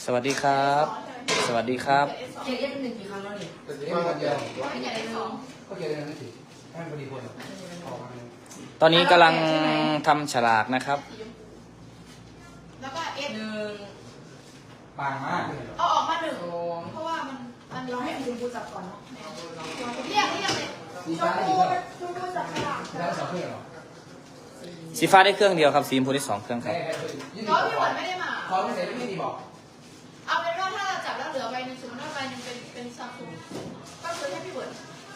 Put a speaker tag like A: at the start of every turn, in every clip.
A: สวัสดีครับ สวัสดีครับ
B: เกียร์เรียกหนึ่งกี่ครั้งแล้วเนี่ย
C: แต่จะได้มาเดียว
B: ไม่ใหญ่เลยสอง
C: ก็เกี่ยวกับนั่นสิให้พอดีคนออกมา
A: ตอนนี้กำลังทำฉลากนะครับ
B: แล้วก็เอสหนึ่ง
C: บางมาก
B: เอาออกมาหนึ่งเพราะว่ามันเราให้คุณครูจับก่อนเนาะเรียกเลย
C: สีฟ้าได้กี่เครื่องสีฟ้าได้2 เครื่องหรอ
A: สีฟ้าได้เครื่องเดียวครับ สีชมพูได้2 เครื่องครับ
B: น้องพี่หวนไม่ได้มา
C: พอไม่เสร็จไม่ดีบอก
B: เอาเป็นว่าถ้าเราจับแล้วเหลือใบหนึ่งสมมติว่าใบหนึ่งเป็นซัมซุงก็คือให้พี่หวน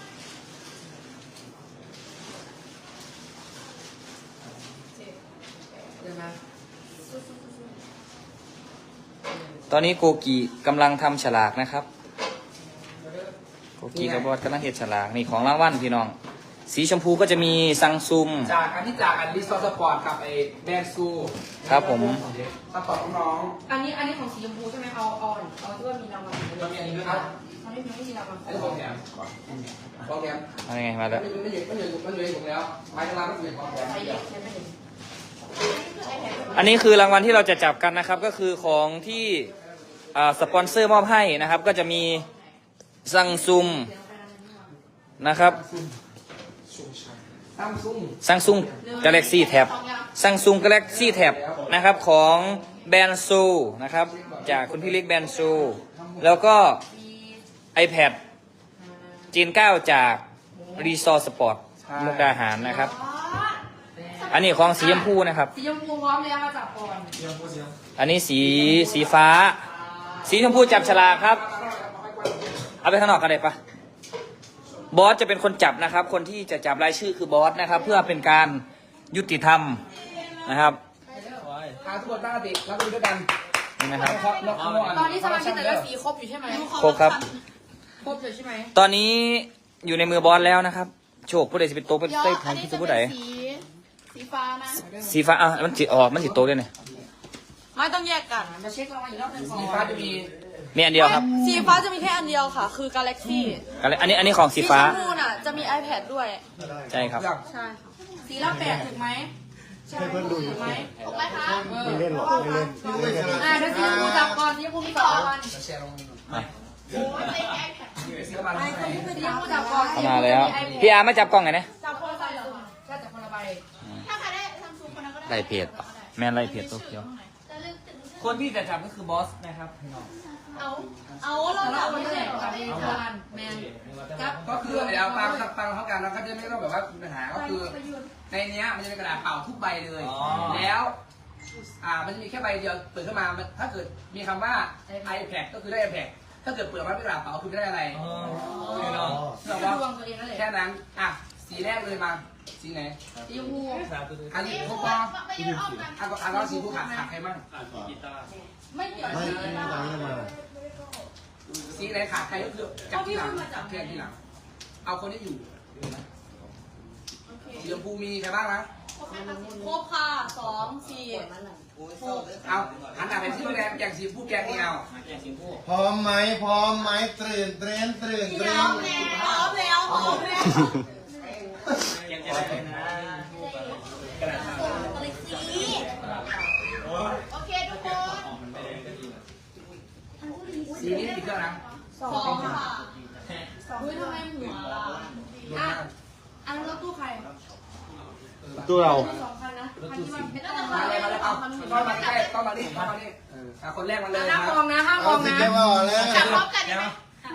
A: ตอนนี้โกกีกำลังทำฉลากนะครับ โกกีกับบอสกำลังเห็ดฉลากนี่ของรางวัลพี่น้อง สีชมพูก็จะมีซังซุม
C: จากอันที่จากอันลิสต์สปอร์ตกับไอ้แบรนด์ซู
A: ครับผม
C: สปอร์ตน้อง
B: อันนี้ของสีชมพูใช่ไหมเอาที่ว่ามีรางวัล
C: ๆมันมีอันนี้ด้วยครับ
B: มันไม่มีรางวัล
C: อันนี้ของแถมของแถม
A: อะไรไงมาแล้ว
C: มันอยู่ในถุงแล้วไม้กระลาไม่อยู่ในของแถม
B: ใครเรียกใครไม่เห็น
A: อันนี้คือรางวัลที่เราจะจับกันนะครับ ก็คือของที่สปอนเซอร์มอบให้นะครับ ก็จะมีซังซุมนะครับ
C: ซัมซุง
A: ซังซุง Galaxy Tab ซังซุง Galaxy Tab นะครับของแบรนด์ซูนะครับจากคุณพี่เล็กแบรนด์ซูแล้วก็ iPad จีน 9 จาก Resort Sport มุกดาหารนะครับ อันนี้ของสีชมพูนะครับ
B: สีชมพูพร้อมแล้วมาจับก่อน
A: อันนี้สีฟ้า สีชมพูจับฉลากครับ เอาไปข้างนอกกันได้ปะบอสจะเป็นคนจับนะครับ คนที่จะจับรายชื่อคือบอสนะครับ เพื่อเป็นการยุติธรรมนะครับ
C: หาทุกคนตั้งสติรับมือด้วยกัน
A: นี่นะครับ
B: ตอนนี้สมาชิกแต่ละสีครบอยู่ใช่ไหม
A: ครบครับ
B: ครบอยู่ใช่ไหม
A: ตอนนี้อยู่ในมือบอสแล้วนะครับ โชคผู้ใดจะเป็นโต๊ะเป็นเต้ของที่จะผู้ใด
D: สีฟ้านะ
A: สีฟ้าอ่ะมันจิออกมันจิโต๊ะด้วยเนี่ย
D: ไม่ต้องแยกกัน
B: จะเช็ครางวัลอีกรอบหนึงก่อน
C: สีฟ้าจะมี
A: มีอันเดียวครับ
D: สีฟ้าจะมีแค่อันเดียวค่ะ คือ Galaxy
A: อันนี้ของสีฟ้า
D: ชมพูน่ะจะมี iPad ด้วย
A: ใช่ครับ
D: ใช่ค่ะ
B: สีละ8ถูกไหมให้เพื่อนดูอยู่ไหม
D: ถูกไหมคะ
E: ไม่เล่นหรอกไม่เล่นไม่เล่นกัน
B: เดี๋ยวสีชมพูจับก่อนสีชมพูมี2รางวัล
C: แชร์ลง
A: มา
C: สีละบาทให้
B: สีชมพูจับก่อน
A: เข้ามาแล้ว พี่อาร์มาจับกล้องไงนะ
B: จับคนละใบเหรอใช่จับคนละใบ
D: ถ้าใครได้ซัมซุงคนนั้นก็ได้
A: ไล่เพจปะแม่นไล่เพจโตเกียว
D: จะเลือกถึง
A: คนที่จะจับก็คือบอสนะครับพี่น้อง
D: เอาเรา
B: เรา
D: จับ
B: ไม่
D: ไม่
B: ได้
D: ได้
B: จับไม่ได้ทานแมนจับ
C: ก็คือเดี๋ยวตามเท่ากันเราก็จะไม่ต้องแบบว่ามีปัญหาก็คือในเนี้ยมันจะเป็นกระดาษเปล่าทุกใบเลย แล้วมันจะมีแค่ใบเดียวเปิดขึ้นมาถ้าเกิดมีคำว่า iPad ก็คือได้ iPad ถ้าเกิดเปิดมาเป็นกระดาษเปล่าคือไม่ได้อะไร
B: สีดวงตัวเองนั่นแหละ
C: แค่นั้นสีแรกเลยมาสีไหน
B: สีชมพู
C: อันนี้พวกปอ
D: ไม่ยืนอ้อมกัน
C: อันเราสีผู้ขาดใครบ้าง
B: ไม่เกี่ยว
E: ไม่ตามนี้มา
C: สีไหนขาดใครก็คือจับที่หลังจับแค่ที่หลังเอาคนที่อยู่สีชมพูมีใครบ้างนะ
D: ครบค่ะ2 4
C: เอาหันหน้าไปที่แรกอย่างสีผู้แกงนี่เอา
E: พร้อมไหมพร้อมไหมตื่นเต้นตื่น
D: พ
E: เต้
D: ร้อน มแล้วพร้อมแล้ว
A: ยังจะได้นะ
D: โอเคทุกคน
C: สีนี้กี่เครื่องนะ
D: 2ค่ะ
B: อุ้ยทำไมหัวอันนั้นรถตู้ใคร
E: ตัวเรา
B: 2 คันนะคันที่มันเป็น
C: มาเลยมาเลยเอาเข้ามาใกล้เข้ามานี่เข้ามานี่คนแรกมาเลย
B: ห้าม
C: ค
B: ม
C: รั
B: อบ งนะห้ามม
E: เอา
B: อง
E: สิ
B: นะ
E: แกว่าแล้ว
D: จับพร้อมกันได้ไหม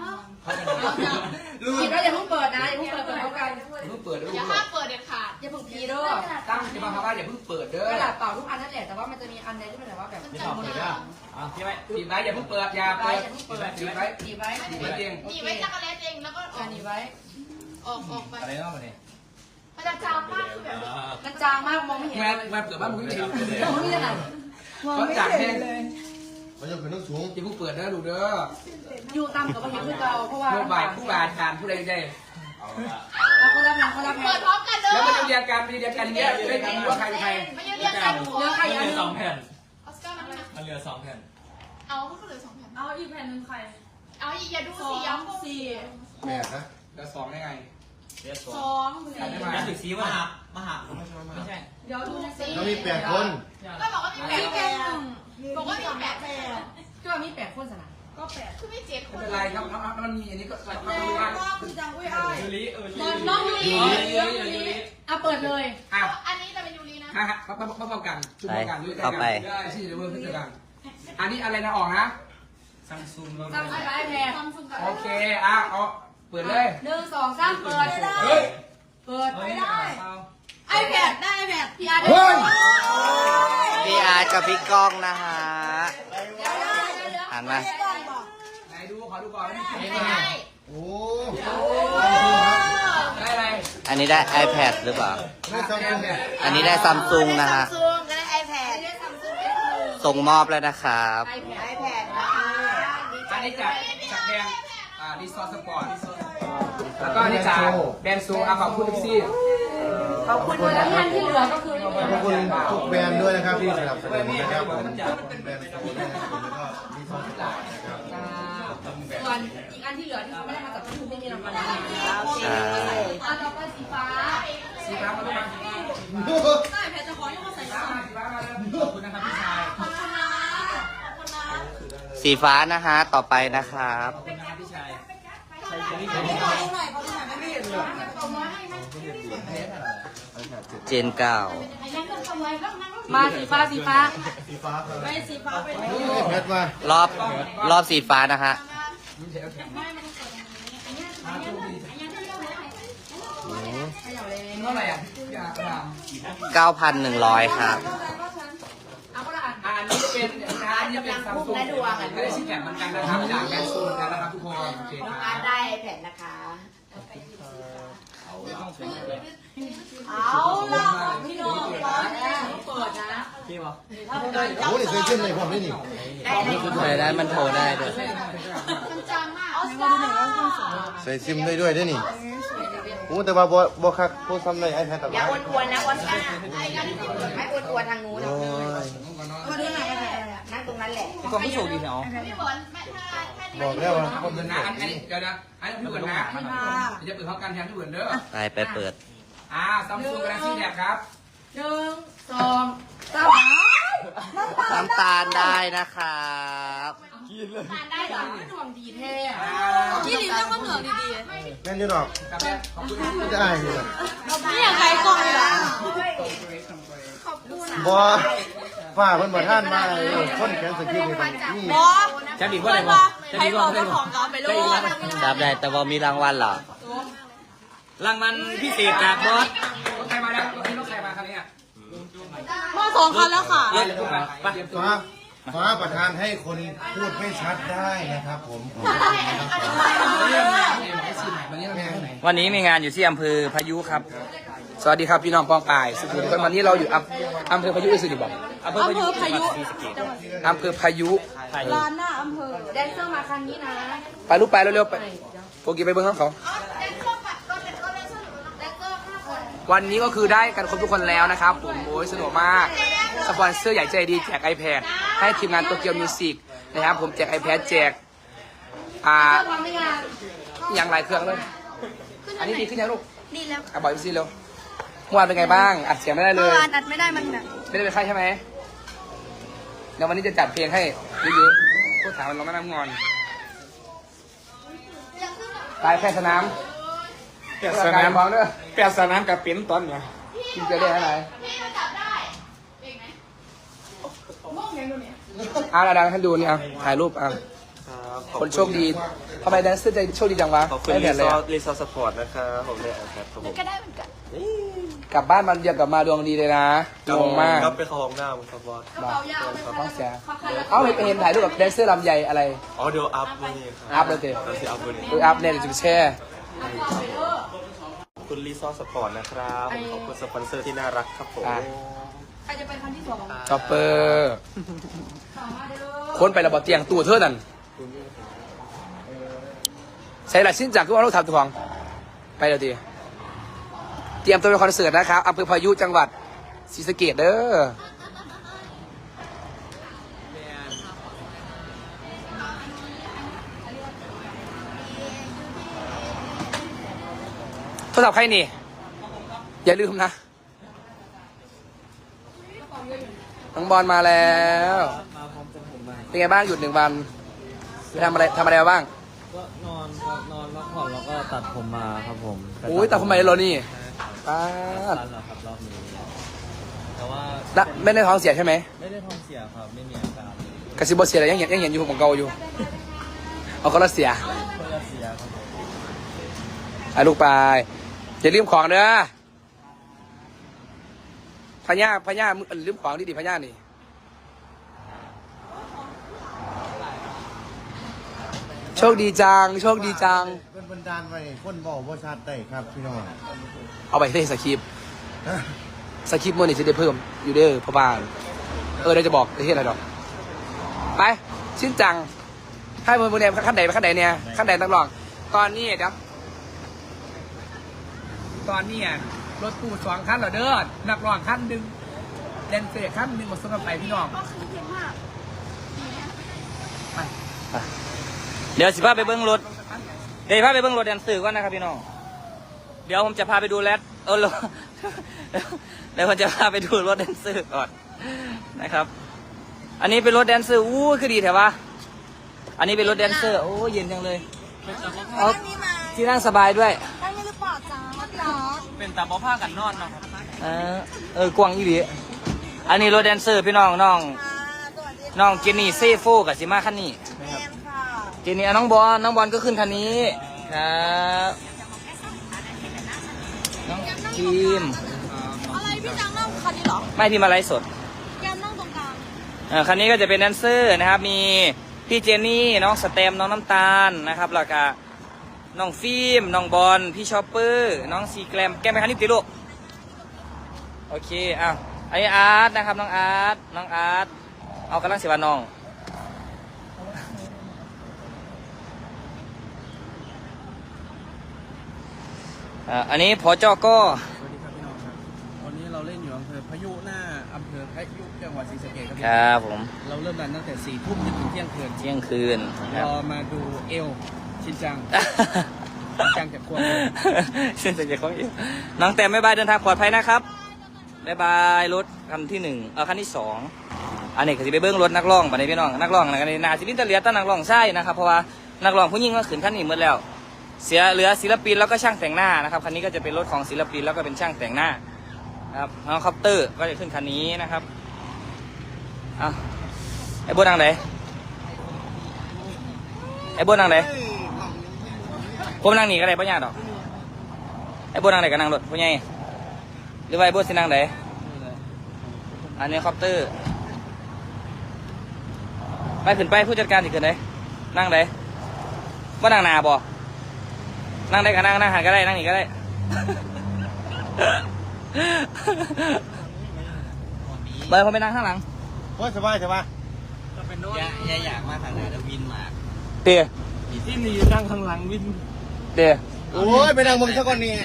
B: ผิดแล้วอย่าเพิ่งเปิดนะอย่าเพิ่งเปิดพร้อมกัน
C: เพิ่งเปิดด้วย
D: อย่าห้ามเปิดเด็ดขาด
B: อย่าเพิ่งพีเด้อ
C: ตั้งจะมาคำว่าอย่าเพิ่งเปิดเด้อก
B: ระดาษเปล่าทุกอันนั่นแหละแต่ว่ามันจะมีอันใดที่เป็นแบบว่าแบบ
D: มันจับหมดแล้ว
A: พี่ไหม
C: ปิดไว้อย่าเพิ่งเปิดอย่า
B: ไว้
C: เปิด
B: อย่าเพิ่งเปิด
C: ปิดไว้
B: ตีไว้
C: ปิดไว้จริง
D: หนีไว้จักรแลเองแล้วก็ออก
B: หนีไว้
D: ไป
A: อะไรเนาะมาเนี่ย
D: มันจะจามมากคือแบบ
B: มันจางมากมองไม่เห็น
C: แม่
B: เลย
C: แม่เปิดบ้านมึงไม่เห็น
B: มองไม่เห็นอะไรมอง
C: ก็
B: ไม่
C: จับ
B: เห็
C: แม่
B: นเลย
E: มันจะเป็นต้องสูง
C: อย่าเพิ่งเปิดเด้อดูเด้อ
B: อยู่ตามกับว่าเห็นคือเก่าเพราะว่า
C: ผู้บ่ายผู้บาทานผู้ใดได้
B: เขารับงานเขารับ
D: เปิ
B: งา
D: ด
B: น
D: พร้อมกันเลย
C: แล้วมันจะเรียงกันเรียงกันเนี้ยจะได้รู้ว่าใครเป็นใคร
D: ไม่ยืนเรียงกัน
B: เลือกใคร
A: เห
B: อัน
A: ลือ
B: นึง
A: 2 แผ่น
D: ออสการ์มันนะ
A: มันเหลือ2 แผ่น
D: เอาก็เหลือ2 แผ่น
B: เอาอีกแผ่นหนึ่งใคร
D: เอาอย่าดูสีย้ำพวก
E: แม่นะ
C: เดี๋ยว2ได้ไง
A: เหลือ
D: 2
C: กันได้ไหม
A: 2ถึงสีมาไม่ใช่
B: เดี๋ยวดูในสี
E: เรามี8 คน
D: ก็บอกว่ามี8 แผ่นบอกว่ามี8 แผ่น
B: ตัว
F: ว่ามี8คนสนะ
B: ก็แปดคือไม่เจ็ดค
C: ไม่
B: น
C: เป็นไรครับมันมีอันนี้ก็
B: คือจังอุ้ยอ้าย
A: ยูริ
F: น้องยูริเอาเปิดเลย
C: อ่ะ
B: อันนี้จะเป็นยูรีนะ
C: ฮะป้องกันชุดป้องกันด้วย
A: เข้าไป
C: ได้ที่เดี๋ยวเพิ่มขึ้นกันอันนี้อะไรนะออกนะ
A: ซัมซุง
F: ซัมซุงไอแพด
B: ซัมซุงกับ
C: โอเคเอาเปิดเลย
F: 1 2 3เปิด
C: เฮ้ย
F: เปิด
A: ไม่ได้
B: ไอแพดได้ไอแพด
F: พี่อาร์ต
C: เฮ้ย
A: พี่อาร์ตกับพี่ก้องนะฮะหันมา
C: ไหนดูขอดูก่อน
B: ไม่ได้
E: โอ้
C: ได้อะไร
A: อันนี้ได้ iPad หรือเปล่า
E: ไม่ซัมซุง
A: อันนี้ได้ซัมซุงนะฮะ
B: ซัมซุงก็ได้ไอแพด
A: ส่งมอบแล้วนะครับ
B: ไอแพดนะคะ
C: อันนี้จากแบรนด์รีสอร์ทสปอร์ตแล้วก็อันนี้จากแบรนด์ซูขอบคุณทุกซี่
F: ขอบคุณแล้วท่านที่เหลือก็คือ
E: ขอบคุณทุกแบรนด์ด้วยนะครับที่สนับสนุนนะครับผมแบรนด์สมุนไพรแล้วก็มีซอสต่างนะครับ
F: ส่วนอีกอันที่เหลือที่เขาไม่ได้มาจากที่คุณไม่มีรางวัลนะ
B: โอเค
F: อันต่อไปสีฟ้า
C: สีฟ้ามาด้วย
F: ได้แพทจะขอให้มาใส่
C: สีฟ้ามาสีฟ้ามาแล้วขอบคุณนะครับพี่ชาย
F: ขอบคุณนะขอบคุณนะ
A: สีฟ้านะฮะ ต่อไปนะครับ
C: ขอบคุณนะครับพี่ชาย
A: เจนเก้า
F: มาสีฟ้าสีฟ้า
E: สีฟ้าครับ
F: ไม่สีฟ้าไป
E: เพชรมาร
A: อบสีฟ้านะฮะ
C: เท่าไหร่อ่ะพี่อาร์
A: 9,100 ครับ
F: เอาคนละอัน
C: อันนี้เป็นอันนี้เป็นซัมซุงไม่ได้ชิ้นแข็งเหมือนกันนะครับจากแบรนด์ซูเหมือนกันนะครับทุกคนโอเคค
B: น้อง
C: รั
B: อาร์ต
C: บ
B: ได้ไอแพดนะคะเอาล่ะพี่น้องร้อนนะ
F: เปิดนะ
E: โอ้ยเคยขึ้นเลยผมได้นี่
A: ได้มันโทรได้ด้วย
B: จังมากออสการ์
E: ใส่ซิมได้ด้วยได้นี่โอ้แต่ว่าบ่คักโพสทำในไอแพดต่าง
B: อย่าอ้วนควรนะออสการ์ไม่อ้วนควรทางนู้น
E: โอ้ย
B: มาดูหน่อยนั่งตรงนั้นแหละ
A: พี่ก้องพี่โชคดีเหรอ
B: พี่บอลแม่ถ้า
E: บอกแล้วว่า
C: ขอบคุณนะอันนี้เดี๋ยวนะอันนี้พี่เหมือนนะจะเปิดพร้อมกันแทนพี่เหมือนเด้อ
A: ไปเปิด
C: ซัมซุงกาแล็กซี่แท็บครับ
F: 1 2 3
A: น้ำตาลได้นะครับ
F: ทานได้เหรอไม่ดวงดีแท้
B: ยี่ลิ้นต้องมาเหนือดี
E: แม่นอยูดอก
C: กับแม่ขอบคุณ
E: ก็จะอายอยู่
B: ๆนี่อย่างไรกองเลยล่ะขอบคุณ
E: บ่ฝ้าเพิ่นบ่ท่านมาเลยคนแขนสกิลนี่นี่
B: บอ
A: จะดีกว่าอะไรบ่จะดีกว่าอะไรบ่
B: ของเราไปโลด
A: จับได้แต่ว่ามีรางวัลเหรอ รางวัลพิเศษจากบอส
C: รถใครมาแล้วรถนี้รถใครมาคันนี้อ่ะ
B: มาสองคันแล้วค่ะ
A: รถไป
E: ฟ้าประทานให้คนพูดไม่ชัดได้นะครับผมขอบคุณนะครับ
C: วันนี้เราไปไหน
A: วันนี้มีงานอยู่ที่อำเภอพายุครับ
C: สวัสดีครับพี่น้องปองป่ายสุขุมวิทวันนี้เราอยู่อำเภอพายุสุริบอก
A: อำเภอพายุจังหวัดศรีสะเกษ
C: อำเภอพายุ
B: ร้านหน้าอำเภอ
F: แดนเซอร์มาคันนี้นะ
C: ไปลูกไปเร็วๆไปโปกีไปเบิ้งเขา
B: แดนเซอร์ปัดก็แดนเซอร์5 คน
C: วันนี้ก็คือได้กันครบทุกคนแล้วนะครับผมโอ้ยสนุกมากสปอนเซอร์ใหญ่ใจดีแจก iPad ให้ทีมงานโตเกียวมิวสิกนะครับผมแจก iPad แจก
F: พร้อมไหมงาน
C: อย่างหลายเครื่องเลย อันนี้ดีขึ้นยังลูก
B: ดีแล้ว
C: บอกพี่ซีเร็วเมื่อวานเป็นไงบ้างอัดเสียงไม่ได้เล
B: เมื่อย วานอัดไม่ได้มันแบบ
C: ไม่ได้เป็นไข้ใช่ไหมเดี๋ยววันนี้จะจัดเพลงให้เยอะๆพวกถามมันร้องไม่น้ำงอนตายแพทย์สนามแพทย์สนามบอกเด้อแพทย์สนามกับปิ้นตอนเนี่ยกินจะได้อะไร
B: พี่มันจับได้เองไหมม่วงยังดูเนี่ย
C: ดังให้ดูนี่ถ่ายรูปคนโชคดีทำไมแดนเซอร์ใจโชคดีจังวะ
G: ขอบคุณ
C: ได้
G: รี
C: แผ่น
G: ซ
C: เลย
G: อร์รีซอร์สปอร์ตนะครับผมได้แอดครับผม
B: ก็ได้เหมือนกัน
C: กลับบ้านมันเดียวกลับมาดวงดีเลยนะงงมาก
G: ก็ไปเข้าห้องน้ำครับบอส
F: กระเป๋ายาวไหม
C: เรา
F: คะ
C: ต้องเสีย
F: คันละ
C: เอ้าเห็นถ่ายรูปกับแดนเซอร์ลำใหญ่อะไร
G: อ๋อเดี๋ยวอัพวันนี้ครับ
C: อัพเลยสิ
G: เราสิอัพวันนี้
C: อัพเนี่ยเดี๋ยวจะไปแช่
G: ขอบคุณรีซอร์สปอร์ตนะครับผมขอบคุณสปอนเซอร์ที่น่ารักครับผม
F: ใครจะเป็นคันที่2
C: ช็อปเปอร์ค้นไประเบาเตียงตัวเท่านั้นใส่หลักชิ้นจากทุกวันเราทำตัวของไปเดี๋ยวทีเตรียมตัวไปคอนเสิร์ตนะครับอำเภอพายุจังหวัดศรีสะเกษเด้อโทรศัพท์ใครนี่ อย่าลืมนะน้องบอลมาแล้วเป็นไงบ้างหยุด1 วันไปทำอะไรมาบ้าง
H: ก็นอนครับนอนพักผ่อนแล้วก็ตัดผมมาครับผม
C: โอ้ยแต่ทำไมเรานี่ป้าด
H: ตัดแล้วครับรอบนี้แต่ว่า
C: ไม่ได้ท้องเสียใช่ไหม
H: ไม่ได้ท้องเสียครับไม่มีอาการ
C: กระซิบบเสียอะไรยังเห็นอยู่ของเก่าอยู่เอาก็ละเสีย
H: ก็จะเสียครับผม
C: ไอ้ลูกไปอย่าลืมของเด้อพญามึงลืมของดิพญานี่โชคดีจัง
E: เป็นบันดาลไว้คนบอกว่าชาติได้ครับพี่น้อง
C: เอาไปที่สคริปต์มันนี่จะได้เพิ่มอยู่เด้อพ่อบ้านเดี๋ยวจะบอกประเทศอะไรดอกไปชิ้นจังให้มือเนี่ยขั้นใดไปขั้นใดเนี่ยขั้นใดนักร้องตอนนี้ครับตอนนี้รถตู้2 คันเหรอเด้อนักร้องคันหนึ่งแดนเซอร์คันหนึ่งหมดส่งกันไปพี่น้อง
A: เดี๋ยวสิพาไปเบิ้งรถเดี๋ยวพาไปเบิ้งรถแดนเซอร์ก่อนนะครับพี่น้องเดี๋ยวผมจะพาไปดูเดี๋ยวผมจะพาไปดูรถแดนเซอร์ก่อนนะครับอันนี้เป็นรถแดนเซอร์อู้คือดีแถวะอันนี้เป็นรถแดนเซอร์โอ้เย็นจังเลยเอาที่นั่งสบายด้วย
D: ได้ไหมหรือเปล่าจ๊ะพี่น้อง
H: เป็นตาบ่ผ้ากันนอนเนาะ
A: กวางอีหลีอันนี้รถแดนเซอร์พี่น้องน้อง
D: สวัสดี
A: น้องเจนนี่เซโฟกับซิมาคันนี้
D: แมนค่ะ
A: เจนนี่น้องบอลก็ขึ้นคันนี้ครับน้องทีม
D: อะไรพี่จังนั่งคันนี้เหรอ
A: ไม่พี่มาไลฟ์สด
D: แกมนั่งตรงกลาง
A: คันนี้ก็จะเป็นแดนเซอร์นะครับมีพี่เจนนี่น้องสเต็มน้องน้ำตาลนะครับแล้วก็น้องฟิล์มน้องบอลพี่ชอปเปอร์น้องซีแกรมแกมไปคันนี้ติลูกโอเคอ้าวอันนี้อาร์ตนะครับน้องอาร์ตเอากำลังเสียบานน้องอันนี้พอจอก็
H: สวัสดีครับพี่น้องครับวันนี้เราเล่นอยู่อำเภอพายุหน้าอำเภอพายุจังหวัดศรีสะเกษครับ
A: ครับผม
H: เราเริ่มรันตั้งแต่4 ทุ่มจนถึงเที่ยงคืน
A: เที่ยงคืนค
H: ร
A: รับ
H: อมาดูเอลชินจัง ชินจังจากควงเลย
A: เส้นจากของอีกน้องแต้มบ๊ายบายเดินทางปลอดภัยนะครับบ๊ายบายรถคันที่1คันที่2อันนี้ก็จะไปเบิ้งรถนักร้องบัดนี้พี่น้องนักร้องนะกันนาศิลินตะเลียตั้งนักร้องใช่นะครับเพราะว่านักร้องผู้หญิงก็ขึ้นคันนี้หมดแล้วเหลือศิลปินแล้วก็ช่างแต่งหน้านะครับคันนี้ก็จะเป็นรถของศิลปินแล้วก็เป็นช่างแต่งหน้าครับน้องคอปเตอร์ก็จะขึ้นคันนี้นะครับไอ้โบนังไหนผมนั่งหนีก็ได้ป่ะญาติดอกไอ้โบนังไหนก็นั่งรถพ่อใหญ่หรือว่าไอ้โบสินั่งไหนอันนี้คอปเตอร์ไปขึ้นไปผู้จัดการสิขึ้นไหนนั่งไหนว่านั่งนาบ่นั่งได้ก็นั่งหันก็ได้นั่งหนีก็ได้ เบอร์ผมไปนั่งข้างหลัง
E: โอ้ยสบาย
H: อย่าอยากมาทางไหนแล้ววินมา
A: เตี๋ย
H: ที่นี่นั่งข้างหลังวิน
A: เตี๋ย
E: โอ้ยไปนั่งมึงสักคนนี้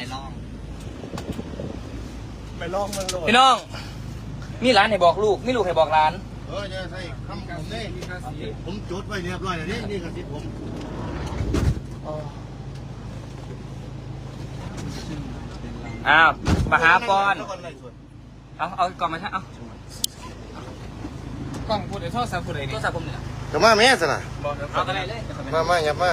E: ไปลองมึงโลด
A: พี่น้องมีร้านให้บอกลูกมีลูกให้บอกร้าน
E: จะใส่คำผมได้ผมจดไว้เรียบร้อยแล้วนี่กระซิบผม
A: อ้าวมาหาปอนเอากล่องมาใช่เอา
H: กล้องพูดไอ้โทษสามพูดไอ้
A: โท
H: นี่
A: รศัพท์ผมเนี่ย
E: จะมาแม่สนะ
A: เอาอะไรเลย
E: มาอย่ามา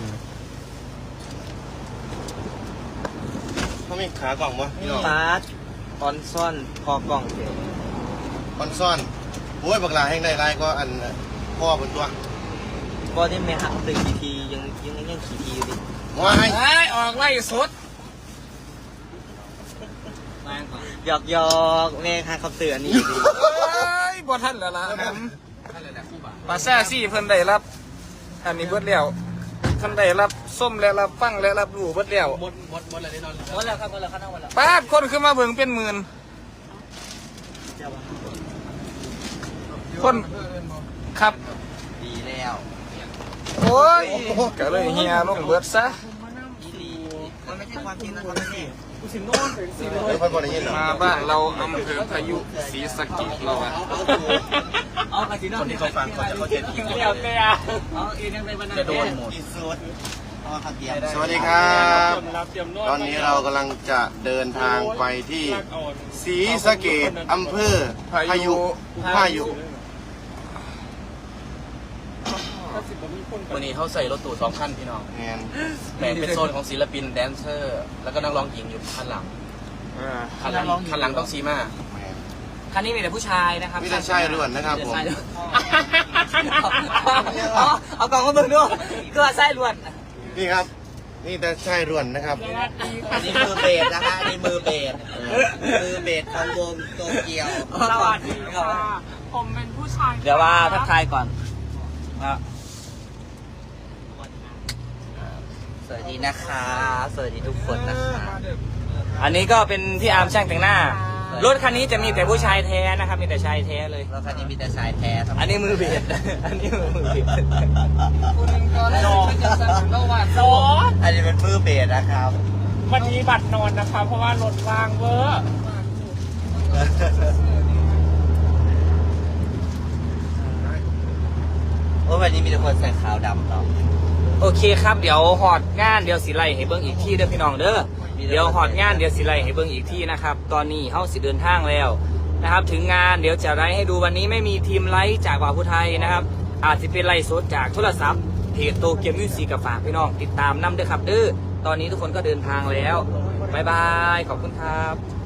E: เขามีขากล่องมั้ยพี่น้อง
H: ปาร์ตออนซ่อนคอกล่องเก๋
E: คอนซ่อนโอ้ยบักหลาแห่งใดไรก็อันพ่อบนตัว
H: ก็ที่แม่หักตึกกี่ทียังขี่ทีอยู่ดิ
E: ว้าย
C: ออกไล่สุด
H: หยอกแม่หักคำเตือนนี่อยู่ดิ
C: บ่ท่านแล้วล่ะปาซ่าซี่เพิ่นได้รับอันนี้เบิดแล้วท่านได้รับส้มและรับฟังและรับรู้เบิดแล้ว
H: หมดอะไรได้นอนหมดแล้วครับหมดแล้วครับหมดแล้ว
C: ป้าดคนขึ้นมาเบิ่งเป็นหมื่นคนครับ
H: ดีแล้ว
C: โอ้ยก็เลยเฮียลงเบิดซะ
H: อีลีมันไม่ใช่ความจริงนะครับนี่
E: เดี๋ยวเพิ่นบ่ได้ยินหรอ
C: มาบ้านเราอำเภอพายุศรีสะเกษเราอะ
H: เอากระสีน้ำคนที่เขาฟังเขาจะเข้าใจผิด
A: เดี๋ยวเตี้ย
H: เอาเองยังไปวันนั้นจะโดนหมด
E: สวัสดีครับตอนนี้เรากำลังจะเดินทางไปที่ศรีสะเกษอำเภอพายุ
H: วันนี้เขาใส่รถตู้2 คันพี่น้อง
E: แมน
H: แบ่งเป็นโซนของศิลปินแดนเซอร์ แล้วก็นักร้องหญิงอยู่คันหลังคันหลังต้องซีมา
E: แมน
A: คันนี้มีแต่ผู้ชายนะครับ
E: มีแต่ชายล้วนนะครับผม
A: เอากล่องมาเบิ่งด้วยก็ไส้ล้วน
E: นี่ครับ นี่แต่ชายล้วนนะครับ
I: อันนี้มือเบสนะคะอันนี้มือเบสมือเบสของวงโตเกียว
A: สวัสดีครับผมเป็นผู้ชายเดี๋ยวว่าทักทายก่อนนะ
I: สวัสดีนะคะ สวัสดีทุกคนนะคะ
A: อันนี้ก็เป็นพี่อาร์มช่างแต่งหน้า รถคันนี้จะมีแต่ผู้ชายแท้นะครับ มีแต่ชายแท้เลย
I: แล้วคันนี้มีแต่ชายแท้ทั้งหมด
A: อันนี้มือเบส อันนี้มือเบส
I: อันนี้เป็นมือเบสนะครับ
H: วันนี้บัตรนอนนะคะ เพราะว่ารถว่างเวอร์
I: โอ้วันนี้มีแต่คนใส่ขาวดำเนาะ
A: โอเคครับ เดี๋ยวหอดงานเดี๋ยวสิไลให้เบิ้งอีกที่เด้อพี่น้องเด้อ เดี๋ยวหอดงานเดี๋ยวสิไลให้เบิ้งอีกที่นะครับ ตอนนี้เฮาสิเดินทางแล้วนะครับ ถึงงานเดี๋ยวจะไลให้ดูวันนี้ไม่มีทีมไลฟ์จากบ่าวผู้ไทยนะครับ อาจจะเป็นไลฟ์สดจากโทรศัพท์เพจโตเกียวมิวสิกกับฝากพี่น้องติดตามนำเด้อครับเด้อ ตอนนี้ทุกคนก็เดินทางแล้วบ๊ายบาย ขอบคุณครับ